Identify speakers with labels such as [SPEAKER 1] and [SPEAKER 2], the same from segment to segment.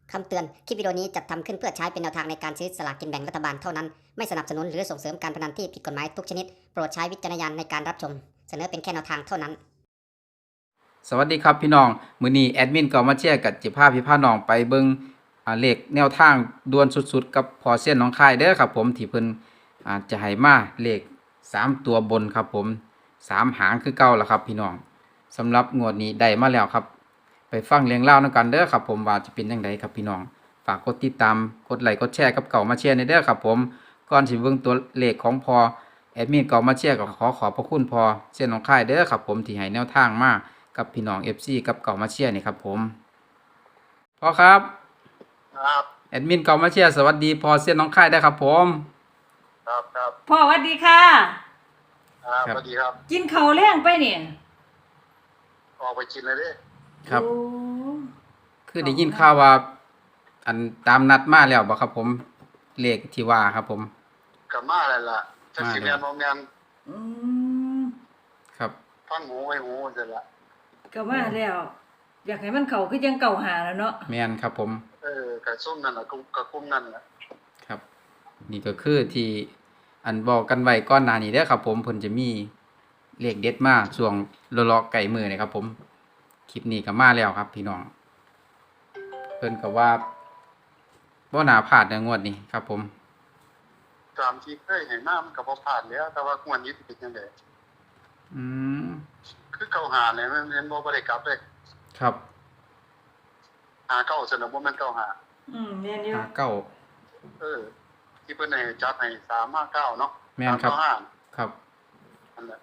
[SPEAKER 1] คำเตือน คลิปวิดีโอนี้จัดทำขึ้นเพื่อใช้เป็นแนวทางในการซื้อสลากกินแบ่งรัฐบาลเท่านั้น ไม่สนับสนุนหรือส่งเสริมการพนันที่ผิดกฎหมายทุกชนิด โปรดใช้วิจารณญาณในการรับชม เสนอเป็นแค่แนวทางเท่านั้น
[SPEAKER 2] สวัสดีครับพี่น้องมื้อนี้แอดมินก็มาแชร์กับจิพาพี่พาน้องไปเบิ่งเลขแนวทางด่วนสุดๆกับพอเส้นน้องค่ายเด้อครับผมที่เพิ่นจะให้มาเลข3ตัวบนครับผม3หางคือเก่าล่ะครับพี่น้องสำหรับงวดนี้ได้มาแล้วครับไปฟังเรื่องเล่านํกันเด้อครับผมว่าจะเป็นจังไดครับพี่น้องฝากกดติดตามกดไลค์กดแชร์กับเก่ามาแชร์ในเด้อครับผมก่อนสิเบิ่งตัวเลขของพอแอดมินเก่ามาแชร์ก็ขอบพระคุณพอเส้นน้องค่ายเด้อครับผมที่ให้แนวทางมากับพี่น้อง FC กับเก่ามาเชียร์นี่ครับผมพ่อครับ
[SPEAKER 3] ครับ
[SPEAKER 2] แอดมินเก่ามาเชียร์สวัสดีพอเส้นน้องค่ายได้ครับผม
[SPEAKER 3] ครับ
[SPEAKER 4] พ่อสวัสดีค่ะ
[SPEAKER 3] สวัสดีครับ
[SPEAKER 4] กินข้าวแล้งไปเนี่ย
[SPEAKER 3] ออกไปกินเลยดิ
[SPEAKER 2] ครับ
[SPEAKER 4] โอ้
[SPEAKER 2] คือได้ยินข่าวว่าอันตามนัดมาแล้วบ่ครับผมเลขที่ว่าครับผม
[SPEAKER 3] กับมาอะไรล่ะจะสิ
[SPEAKER 2] มา
[SPEAKER 3] เรี
[SPEAKER 2] แล้
[SPEAKER 3] ยน
[SPEAKER 2] ว
[SPEAKER 3] โรงงาน
[SPEAKER 4] อืม
[SPEAKER 2] ครับ
[SPEAKER 3] ฟังหูไว้หูเสร็จละ
[SPEAKER 4] ก็มาแล้ว อยากให้มันเข้าคือจังเก่าหาแล้วเนาะ
[SPEAKER 2] แม่นครับผม
[SPEAKER 3] กระซุ่มนั่นแหละกระกุ้มนั่นแหละ
[SPEAKER 2] ครับ นี่ก็คือที่อันบอกกันไว้ก่อนหน้านี้เด้อครับผมเพิ่นจะมีเลขเด็ดมาช่วงเลาะๆไก่มือนี่ครับผมคลิปนี้ก็มาแล้วครับพี่น้องเพิ่นก็ว่าบ่น่าพลาดในงวดนี้ครับผม
[SPEAKER 3] ตามที่เคยเห็นหน้ามันกับพอผ่านแล้ว แต่ว่าควรยึดติดยังไง
[SPEAKER 2] อืม
[SPEAKER 3] คือเก่าหาเลยมันเรียนบ่ได้กลับเลย
[SPEAKER 2] ครับ
[SPEAKER 3] หาเก่าสนบ่แม่นเก่าหา
[SPEAKER 4] แม่นอยู่
[SPEAKER 2] 59
[SPEAKER 3] ที่เพิ่นให้จัดให้359เนาะ
[SPEAKER 2] แม่นครับ
[SPEAKER 3] 395
[SPEAKER 2] ครับ
[SPEAKER 3] นั่นแหละ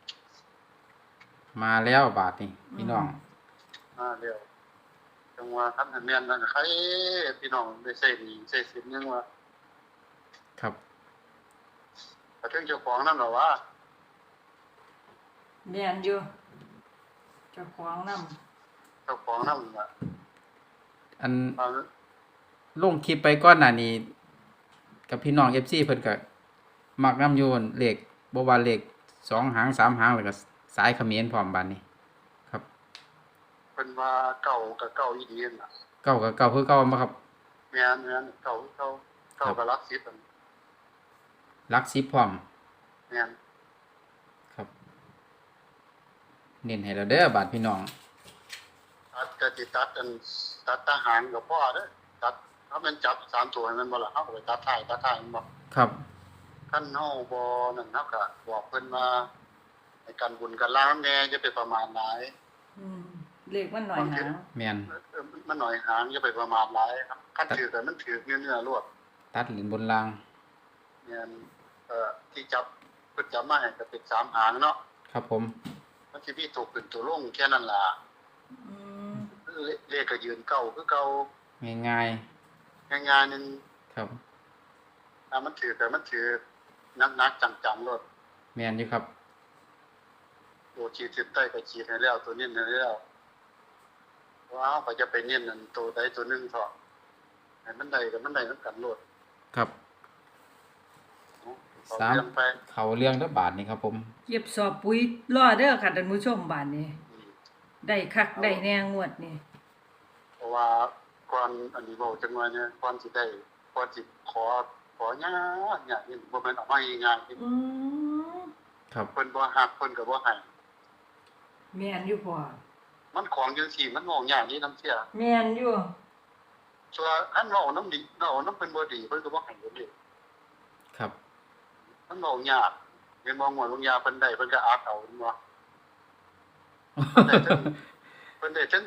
[SPEAKER 2] มาแล้วบาทนี่พี่น้อง
[SPEAKER 3] เดี๋ยวจังว่าคันแม่นนั่นใครพี่น้องได้ใช้หนี้ใช้สินยังว่า
[SPEAKER 2] ครับ
[SPEAKER 3] แต่ถึงเจ้าของนั่นหรอว่า
[SPEAKER 4] แม่นอยู่เจ้าของนำ
[SPEAKER 3] เจ้าของนั่นล่ะ
[SPEAKER 2] อัน
[SPEAKER 3] เอา
[SPEAKER 2] ลงคลิปไปก่อนหน้านี้กับพี่น้อง FC เพิ่นก็มักนำอยู่เลขบ่ว่าเลข2หาง3หางแล้วก็สายเขมรพร้อมบาดนี้ครับ
[SPEAKER 3] เพิ่นว่าเก่ากับเก่าอีดีนั่นล่ะ
[SPEAKER 2] เก้ากับเก้าคือเก้าบ่ครับ
[SPEAKER 3] แม่นเก่ากับรักสิบอัน
[SPEAKER 2] หลัก10พร้อม
[SPEAKER 3] แม่น
[SPEAKER 2] ครับ เน้นให้เราเด้อบาดพี่น้อง
[SPEAKER 3] ตัดก็สิตัดทหารกับพ่อเด้อตัดถ้ามันจับ3ตัวให้มันบ่ล่ะเฮาก็ไปตัดท้ายมันบ่
[SPEAKER 2] ครับ
[SPEAKER 3] คันเฮาบ่นั่นเฮาก็บอกเพิ่นว่าให้กันบุญกันล้างแน่อย่าไปประมาทหลาย
[SPEAKER 4] เลขมันหน่อยหาง
[SPEAKER 2] แม่น
[SPEAKER 3] มันหน่อยหางอย่าไปประมาทหลายครับคันถือก็มันถือเนื้อๆรวด
[SPEAKER 2] ตัดหลินบนราง
[SPEAKER 3] แม่นที่จับเพิ่นจับมาให้ก็เป็น3หางเนาะ
[SPEAKER 2] ครับผม
[SPEAKER 3] มันสิมีตัวขึ้นตัวลงแค่นั้นล่ะ
[SPEAKER 4] อืม
[SPEAKER 3] เลขก็ยืนเก่าคือเก่า
[SPEAKER 2] ง่าย
[SPEAKER 3] ง่ายๆนึง
[SPEAKER 2] ๆครับ
[SPEAKER 3] ถ้ามันถือแต่มันถือนักๆจังๆรถ
[SPEAKER 2] แม่นอยู่ครับ
[SPEAKER 3] โอ้ขีดเส้นใต้ก็ขีดให้แล้วตัวนี้ให้แล้วว้าวก็จะไปเน้นนั่นตัวใดตัวหนึงเถาะให้มันได้กับมันได้นำกันโลด
[SPEAKER 2] ครับ
[SPEAKER 3] เอา
[SPEAKER 2] สาม
[SPEAKER 3] เรื่องไป
[SPEAKER 2] เขาเรื่องละบาทนี่ครับผม
[SPEAKER 4] เก็บสอบปุ๋ยรอเด้อค่ะท่านผู้ชมบ้านนี้
[SPEAKER 3] อืม
[SPEAKER 4] ได้คักได้แน่งวดนี่
[SPEAKER 3] เพราะว่าก่อนอันนี้เว้าจังว่าเนี่ยก่อนสิได้ก่อนสิขอยากนี่บ่แม่นเอามาง่ายๆ
[SPEAKER 4] อืม
[SPEAKER 2] ครับ
[SPEAKER 3] เพิ่นบ่ฮักเพิ่นก็บ่ให้
[SPEAKER 4] แม่นอยู่พ่อ
[SPEAKER 3] มันของจังซี่มันมองยากนี่นำเสีย
[SPEAKER 4] แม่นอยู่
[SPEAKER 3] ส่วนอันเว้านํดีเว้านํเพิ่นบ่ดีเพิ่นก็บ่ให้เด้
[SPEAKER 2] ครับ
[SPEAKER 3] มันเว้ายากเห็นบ่งวดลงยาเพิ่นได้เพิ่นก็อักเอาเห็นบ่เพิ่นได้ถึง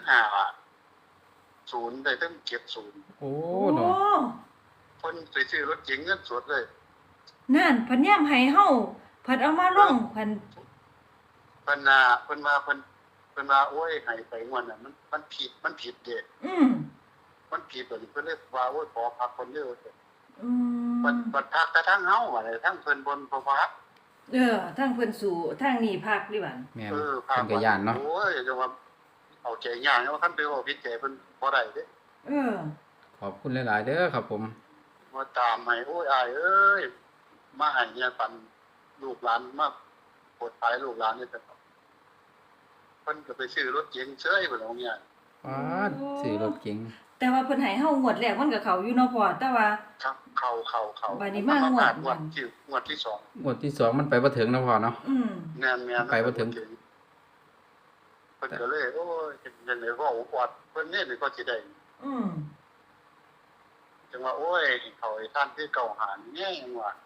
[SPEAKER 3] 0ได้ถึง70
[SPEAKER 2] โอ้
[SPEAKER 4] โอ้
[SPEAKER 2] เนาะ
[SPEAKER 3] เพิ่นสิซื้อรถเก๋งเงินสดเลย
[SPEAKER 4] นั่นเพันแยมให้เฮาเพันเอามาลงเพัน
[SPEAKER 3] เพิ่นน่ะเพิ่นว่าโอ้ยให้ไปงวดน่ะมันผิดเด้
[SPEAKER 4] อืม
[SPEAKER 3] มันผิดเพิ่นเลยว่าโอ้ยขอพักคนเด้อ
[SPEAKER 4] อืม
[SPEAKER 3] บัดพักแต่ทางเฮาว่าได้ทางเพิ่นบนบ่พัก
[SPEAKER 4] ทางเพิ่นสู่ทางนี้ภาคดิบัน
[SPEAKER 2] แม่น
[SPEAKER 3] พั
[SPEAKER 2] เพิ่นก็ย่านเนาะ
[SPEAKER 3] โอ้ยจังว่าเอาใจยากว่าคันไปเว้าผิดใจเพิ่นบ่ได้เด้
[SPEAKER 4] เออ
[SPEAKER 2] ขอบคุณหลายๆเด้อครับผม
[SPEAKER 3] มาตามให้โอ้ยอ้ายเอ้ยมาให้เนี่ยปันลูกหลานมาปลดภายลูกหลานนี่แต่เพิ่นก็ไปซื้อรถเก๋งเฉยเพิ่นเอาเนี่ย
[SPEAKER 2] ป๊าดซื้อรถเก๋ง
[SPEAKER 4] แต่ว่าเพิ่นให้เฮางวดแรกมันก็เข้าอยู่เนาะพ่อแต่ว่า
[SPEAKER 3] ครับเข้า
[SPEAKER 4] บัดนี้มางวด
[SPEAKER 3] งวดที่สอง
[SPEAKER 2] งวดที่สองมันไปบ่ถึงนะพ่อเนาะ
[SPEAKER 3] แม่น
[SPEAKER 2] ไปบ่ถึง
[SPEAKER 3] เพิ่นก็เลยโอ้ยจังได๋เว้าปอดเพิ่นนี่ก็สิได้
[SPEAKER 4] อืม
[SPEAKER 3] จังว่าโอ้ยเขาให้ท่านคือเก่าหาแย่งว่า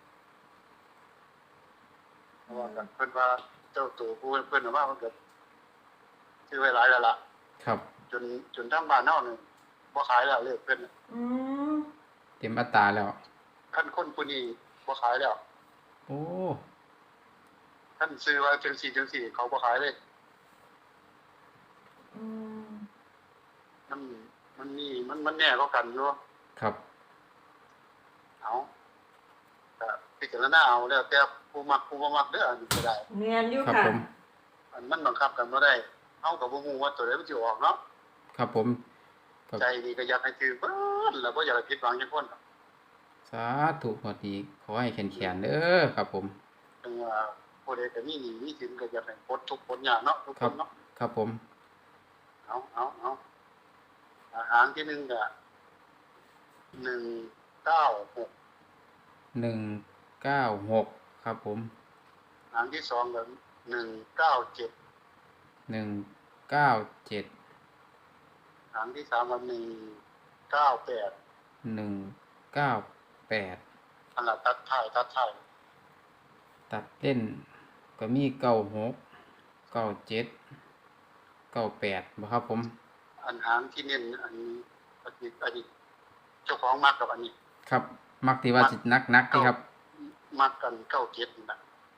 [SPEAKER 3] เพราะว่ากันเพิ่นว่าเจ้าตัวผู้เพิ่นว่าเพิ่นก็ซื้อไว้หลายแล้วล่ะ
[SPEAKER 2] ครับ
[SPEAKER 3] จนทางบ้านเฮานี่บ่ขายแล้วเลขเพิ่น
[SPEAKER 4] อืม
[SPEAKER 2] เต็มอัตราแล้ว
[SPEAKER 3] คันคนผู้นี้บ่ขายแล้ว
[SPEAKER 2] โอ้
[SPEAKER 3] ท่านซื้อว่าจังซี่เขาบ่ขายเลย
[SPEAKER 4] อืม
[SPEAKER 3] มันแน่ก็กันอยู่
[SPEAKER 2] ครับ
[SPEAKER 3] เอาก็พิจารณาเอาแล้วแต่ผู้มักผู้บ่มักเด้ออันนี้ก็ได้
[SPEAKER 4] แม่นอยู่
[SPEAKER 2] ครับ
[SPEAKER 4] ค่ะ
[SPEAKER 2] ผม
[SPEAKER 3] อันมันบังคับกันบ่ได้เฮาก็บ่ฮู้ว่าตัวใดมันสิออกเนาะ
[SPEAKER 2] ครับผมครับ
[SPEAKER 3] ใจนี่ก็อยากให้ถือเบิดแล้วบ่อยากให้ผิดหวังจักคน
[SPEAKER 2] สาธุงวดนี้ขอให้แข็งๆเด้อครับผม
[SPEAKER 3] ถึงว่าผู้ใดก็มีหนี้มีสินก็อยากให้พ้นทุกข์พ้นยากเนาะทุกคนเนาะ
[SPEAKER 2] ครับผม
[SPEAKER 3] เอาอาหารที่1ก็196
[SPEAKER 2] 196ครับผม
[SPEAKER 3] อาหารที่2ก็197
[SPEAKER 2] 197
[SPEAKER 3] อาหารที่3ก็198
[SPEAKER 2] 198
[SPEAKER 3] อันละตัดท้าย
[SPEAKER 2] ตัดเล่นก็มี96 97 98บ่ครับผม
[SPEAKER 3] อันหางที่เน้นอันนี้เจ้าของมักกับอันนี้
[SPEAKER 2] ครับ มักที่ว่าสินักๆที่ครับ
[SPEAKER 3] มักกัน97นี่นะ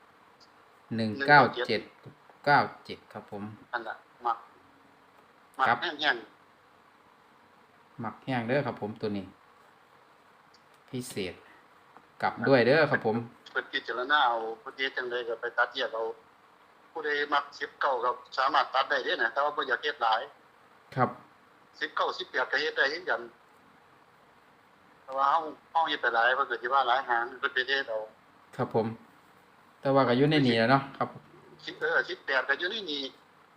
[SPEAKER 2] 197 97ครับผม
[SPEAKER 3] อันน่ะมัก
[SPEAKER 2] ครับ
[SPEAKER 3] แห้ง
[SPEAKER 2] มักแห้งเด้อครับผมตัวนี้ พิเศษ กลับด้วยเด้อครับผม
[SPEAKER 3] ๆเพิ่นพิจารณาเอาผู้ใดจังได๋ก็ไปตัดแยกเอาผู้ใดมัก19ก็สามารถตัดได้เด้นะแต่ว่าบ่อยากเฮ็ดหลาย
[SPEAKER 2] ครับ
[SPEAKER 3] 19 18ก็เฮ็ดได้คือกันแต่ว่าเฮาเฮ็ดไปหลายเพิ่นก็สิว่าหลายหางเพิ่นไปเฮ็ดเอา
[SPEAKER 2] ครับผม แต่ว่าก็อยู่ในนี้แล้วเนาะครับ
[SPEAKER 3] 18ก็อยู่ในนี้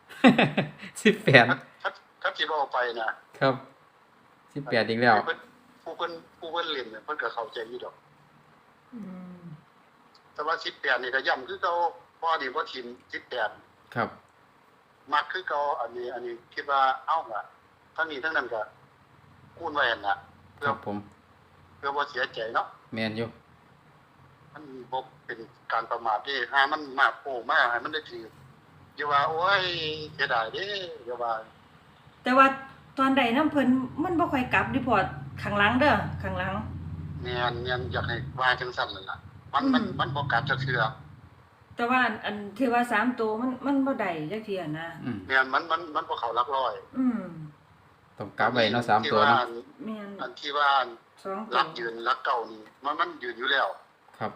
[SPEAKER 2] 18
[SPEAKER 3] ถ้าสิบ่เอาไปน่ะ
[SPEAKER 2] ครับ18อีกแล้ว
[SPEAKER 3] ผู้เพิ่นเล่นเนี่ยเพิ่นก็เข้าใจอยู่ดอก
[SPEAKER 4] อืม
[SPEAKER 3] แต่ว่า18นี่ก็ย้ำคือเก่าพอดีบ่ทิ่ม18
[SPEAKER 2] ครับ
[SPEAKER 3] มักคือเก่าอันนี้คิดว่าเอ้าล่ะทั้งนี้ทั้งนั้นก็คูณไว้หั่นน่ะ
[SPEAKER 2] ครับผม
[SPEAKER 3] เพื่อบ่เสียใจเนาะ
[SPEAKER 2] แม่นอยู่
[SPEAKER 3] มันบ่เป็นการประมาทเด้หามันมากโอ้มาให้มันได้ถืออย่าว่าโอ้ยเสียดายเด้อย่าว่า
[SPEAKER 4] แต่ว่าตอนใดน้ำเพิ่นมันบ่ค่อยกลับดิพอร์ตข้างหลังเด้อข้างหลัง
[SPEAKER 3] แม่นอยากให้ว่าจังซั่นนั่นล่ะมัน
[SPEAKER 4] อืม
[SPEAKER 3] มันบ่กัดจักเทื่อ
[SPEAKER 4] แต่ว่าอันที่ว่า3ตัวมันบ่ได้จักเที่ยนะ
[SPEAKER 2] อืม
[SPEAKER 3] แม่นมันบ่เข้าหลักร้อย
[SPEAKER 4] อืม
[SPEAKER 2] ต้องกลับไว้เนาะ3ตัวเนาะ
[SPEAKER 4] แม่น
[SPEAKER 3] อันที่ว่า
[SPEAKER 4] 2
[SPEAKER 3] รั
[SPEAKER 4] ตั
[SPEAKER 3] ก
[SPEAKER 4] ว
[SPEAKER 3] ยืนรักเก่านี่มันยืนอยู่แล้ว
[SPEAKER 2] ครับ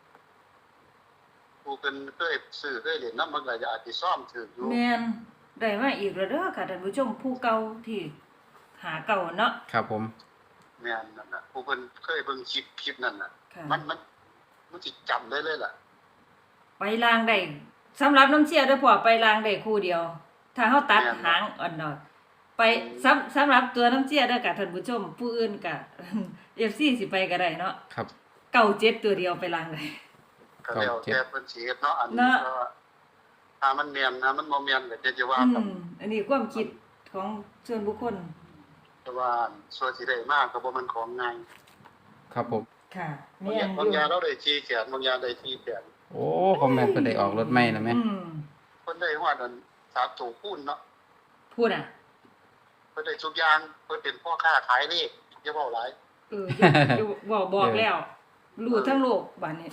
[SPEAKER 3] ผู้เพิ่นเคยซื้อเคยเล่นนำมันก็อาจสิซ่อมถืออยู่
[SPEAKER 4] แม่นได้มาอีกแล้วเด้อค่ะท่านผู้ชมผู้เก่าที่หาเก่าเนาะ
[SPEAKER 2] ครับผม
[SPEAKER 3] แม่นนั่นน่ะผู้เพิ่นเคยเบิ่งคลิปนั่นน่ะ
[SPEAKER 4] ค่ะ
[SPEAKER 3] มันสิจำได้เลยล่ะ
[SPEAKER 4] ไปลางได้สำหรับน้ำเชี่ยเด้อพ่อไปลางได้คู่เดียว ถ้าเฮาตัดหางอ่อนๆไปสำหรับตัวน้ำเชี่ยเด้อค่ะท่านผู้ชมผู้อื่นก็ FC สิไปก็ได้เนาะ
[SPEAKER 2] ครับ
[SPEAKER 4] 97ตัวเดียวไปลางได้
[SPEAKER 3] ก็แล้วแต่เพิ่นสิเฮ็ดเนาะอันนี้
[SPEAKER 4] เนาะ
[SPEAKER 3] ก็ถ้ามันแม่นนะมันบ่แม่นก็จะว่ากัน
[SPEAKER 4] อันนี้ความคิดของส่วนบุคคล
[SPEAKER 3] แต่ว่าส่วนสิได้มากก็บ่แม่นของง่าย
[SPEAKER 2] ครับผม
[SPEAKER 4] ค่ะ
[SPEAKER 3] บาง
[SPEAKER 4] แม่
[SPEAKER 3] อย่าง
[SPEAKER 4] น
[SPEAKER 3] บางอย่างเราได้ชี้แขนบางอย่างได้ชี้แขน
[SPEAKER 2] โอ้คอมเมนต์เพิ่นได้ออกรถใหม่แล้วแม่
[SPEAKER 3] เพิ่นได้ฮอดอัน3ตัวคูณเนาะ
[SPEAKER 4] พูดอ่ะ
[SPEAKER 3] เพิ่นได้ทุกอย่างเพิ่นเป็นพ่อค้าขายเลขอย่าเว้าหลาย
[SPEAKER 4] อย่าบอกแล้วรู้ทั้งโลกบัดนี้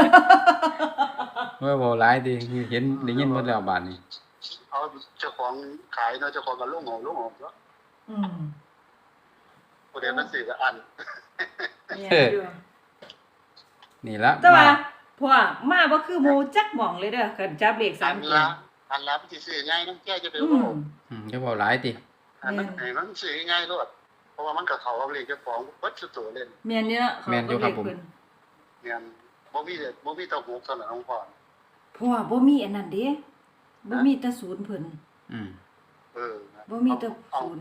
[SPEAKER 2] ว่าบ่หลายติเห็นได้ยินหมดแล้วบาดนี้
[SPEAKER 3] เอาเจ้าของขายเนาะเจ้าของก็ลงหอเนาะ
[SPEAKER 4] อืม
[SPEAKER 3] ผู้ใดมันซื้อก็อัน
[SPEAKER 4] แม่นอยู่
[SPEAKER 2] นี่ละ
[SPEAKER 4] แต่ว่า
[SPEAKER 2] มา
[SPEAKER 4] พ่อมาบ่คือหมู่จักหม่องเลยเด้อคันจับเลข
[SPEAKER 3] อัน
[SPEAKER 4] 3ตัว
[SPEAKER 3] ละอันละมันสิซื้อง่ายนำแก้จะไป
[SPEAKER 4] อื
[SPEAKER 3] เว้าม
[SPEAKER 2] จะบ่หลายติ
[SPEAKER 3] อันนั้นให้มันซื้อง่ายโลดเพราะว่ามันก็เข้ากับเลขเจ้าของเบิดสุดตัวเล่น
[SPEAKER 4] แม่นอยู่เนาะเขาก็เลขเพิ่น
[SPEAKER 3] เนี่ยบ่มีแตะหกเท่านั้นของพ่อ
[SPEAKER 4] พ่อบ่มีอันนั้นเด้บ่มีแต่ศูนย์เพิ่น
[SPEAKER 2] อืม
[SPEAKER 3] เออ
[SPEAKER 4] บ่มีแต่
[SPEAKER 3] เอา
[SPEAKER 4] ศูนย์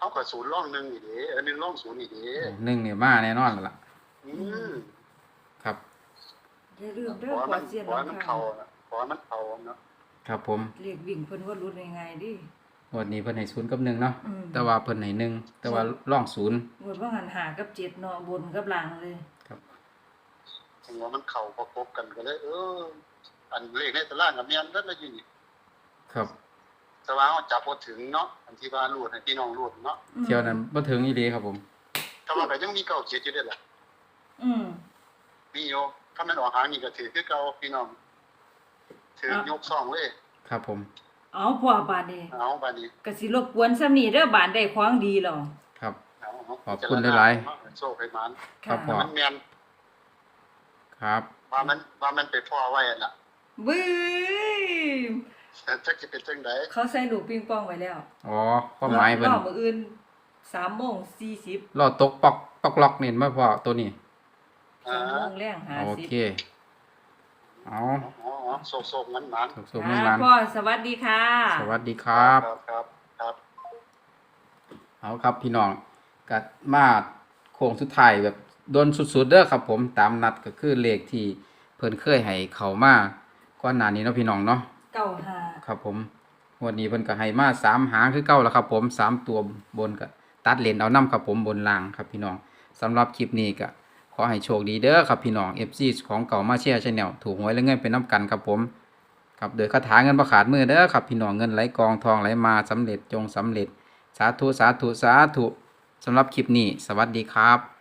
[SPEAKER 3] เอากับศูนย์ร่องหนึ่งอีกเด้หนึ่งร่องศูนย์อีกเด้
[SPEAKER 2] หนึ่งเนี่ยมาแน่นอนแล้วล่ะ
[SPEAKER 3] อืม
[SPEAKER 2] ครับ
[SPEAKER 4] อย่าลืม
[SPEAKER 3] ข
[SPEAKER 4] เด้อ
[SPEAKER 3] อให้
[SPEAKER 4] พอ
[SPEAKER 3] มัน
[SPEAKER 4] เสียน
[SPEAKER 3] ขอให้มัน
[SPEAKER 4] น้ำ
[SPEAKER 3] เข้า
[SPEAKER 4] ข้าง
[SPEAKER 3] นะขอให้มันเข้าเนาะ
[SPEAKER 2] ครับผม
[SPEAKER 4] เรียกวิ่งเพิ่นว่ารุดยังไงดิ
[SPEAKER 2] งวดนี้เพิ่นให้0กับ1เนาะ
[SPEAKER 4] อืม
[SPEAKER 2] แต่ว่าเพิ่นให้1แต่ว่าร่อง0
[SPEAKER 4] งวดว่าหันหากับ7เนาะบนกับล่างเลย
[SPEAKER 2] ครับ
[SPEAKER 3] ถึงว่ามันเข้าประกบกันก็เลย อันเลขในตารางกับแม่นนั่นละอยู่นี่
[SPEAKER 2] ครับ
[SPEAKER 3] แต่ว่าเอาจับบ่ถึงเนาะอันที่ว่ารูดให้พี่น้องรูดเนาะ
[SPEAKER 2] เที่ยวนั้นบ่ถึงอีหลีครับผม
[SPEAKER 3] แต่ว่าก็ยังมีเก่าเขียนอยู่เด้อล่ะ
[SPEAKER 4] อืม
[SPEAKER 3] มีอยู่ถ้ามันออกหางนี่ก็ถือคือเก่าพี่น้องถือยกซ่องเลย
[SPEAKER 2] ครับผม
[SPEAKER 4] เอาพ่อบาดนี้
[SPEAKER 3] เอาบัดนี้
[SPEAKER 4] ก็สิรบกวนซ้ำนี้เด้อบานได้ของดีแล้ว
[SPEAKER 2] ครับ
[SPEAKER 3] เอา
[SPEAKER 2] ขอบคุณหลายๆ
[SPEAKER 3] ๆโชคให้มัน
[SPEAKER 2] ครับพ่อ
[SPEAKER 3] มันแม่น
[SPEAKER 2] ครับ
[SPEAKER 3] ว่ามันไปพ่อไว้น่ะ
[SPEAKER 4] บึ้ย
[SPEAKER 3] จักสิเป็นจังได๋
[SPEAKER 4] เขาใส่ลูกปิงปองไว้แล้ว
[SPEAKER 2] อ๋อความหมายเพิ่น
[SPEAKER 4] รอบมื้ออื่น3:40
[SPEAKER 2] รอตกปอกล็อกนี่มาพอตัวนี้
[SPEAKER 4] 3:00นแรง
[SPEAKER 2] โอ
[SPEAKER 4] 50
[SPEAKER 2] เคเอา
[SPEAKER 3] อ๋อโศกๆมันมัน
[SPEAKER 2] สุขๆมัน
[SPEAKER 4] พ่อสวัสดีค่ะ
[SPEAKER 2] ๆสวัสดีครับ
[SPEAKER 3] ครับ
[SPEAKER 2] เอาครับพี่น้องก็มาโค้งสุดท้ายแบบโดนสุดๆเด้อครับผมตามนัดก็คือเลขที่เพิ่นเคยให้เข้ามาก่อนหน้านี้เนาะพี่น้องเนาะ
[SPEAKER 4] 95
[SPEAKER 2] ครับผมงวันนี้เพิ่นก็ให้มา3หางคือเก่าแล้วครับผม3ตัวบนก็ตัดเลนเอานํครับผมบนล่างครับพี่น้องสำหรับคลิปนี้ก็ขอให้โชคดีเด้อครับพี่น้อง FC ของเก่ามาเชียร์ Channel ถูกหวยและเงินเป็นน้ำกันครับผมครับโดยคาถาเงินบ่ขาดมือเด้อครับพี่น้องเงินไหลกองทองไหลมาสำเร็จจงสำเร็จสาธุสาธุสาธุสำหรับคลิปนี้สวัสดีครับ